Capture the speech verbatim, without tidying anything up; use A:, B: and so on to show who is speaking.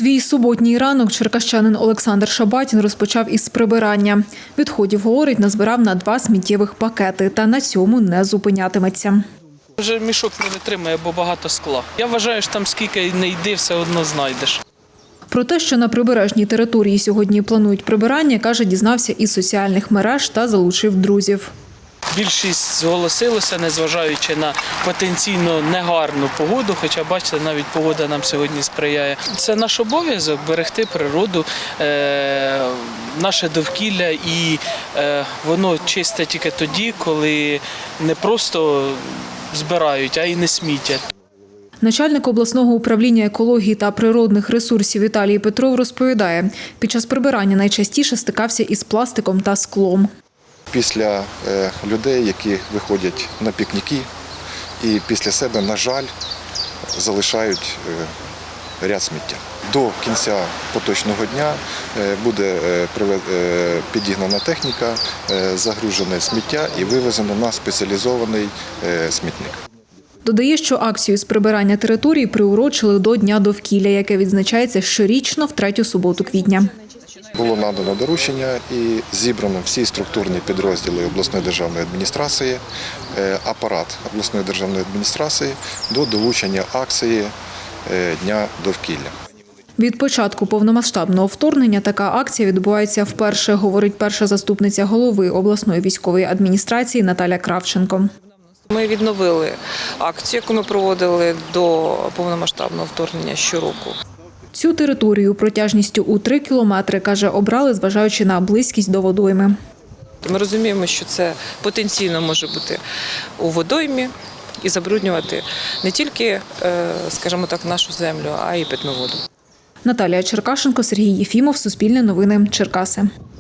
A: Свій суботній ранок черкащанин Олександр Шабатін розпочав із прибирання. Відходів, говорить, назбирав на два сміттєвих пакети та на цьому не зупинятиметься.
B: Вже мішок не витримує, бо багато скла. Я вважаю, що там скільки не йди, все одно знайдеш.
A: Про те, що на прибережній території сьогодні планують прибирання, каже, дізнався із соціальних мереж та залучив друзів.
B: Більшість зголосилося, незважаючи на потенційно негарну погоду, хоча, бачите, навіть погода нам сьогодні сприяє. Це наш обов'язок – берегти природу, е, наше довкілля, і е, воно чисте тільки тоді, коли не просто збирають, а й не смітять.
A: Начальник обласного управління екології та природних ресурсів Віталій Петров розповідає, під час прибирання найчастіше стикався із пластиком та склом.
C: Після людей, які виходять на пікніки і після себе, на жаль, залишають ряд сміття. До кінця поточного дня буде підігнана техніка, загружене сміття і вивезено на спеціалізований смітник.
A: Додає, що акцію з прибирання території приурочили до Дня довкілля, яке відзначається щорічно в третю суботу квітня.
C: Було надано доручення і зібрано всі структурні підрозділи обласної державної адміністрації, апарат обласної державної адміністрації до долучення акції Дня довкілля.
A: Від початку повномасштабного вторгнення така акція відбувається вперше, говорить перша заступниця голови обласної військової адміністрації Наталя Кравченко.
D: Ми відновили акцію, яку ми проводили до повномасштабного вторгнення щороку.
A: Цю територію протяжністю у три кілометри, каже, обрали, зважаючи на близькість до водойми.
D: Ми розуміємо, що це потенційно може бути у водоймі і забруднювати не тільки, скажімо так, нашу землю, а й питну воду.
A: Наталія Черкашенко, Сергій Єфімов, Суспільне новини, Черкаси.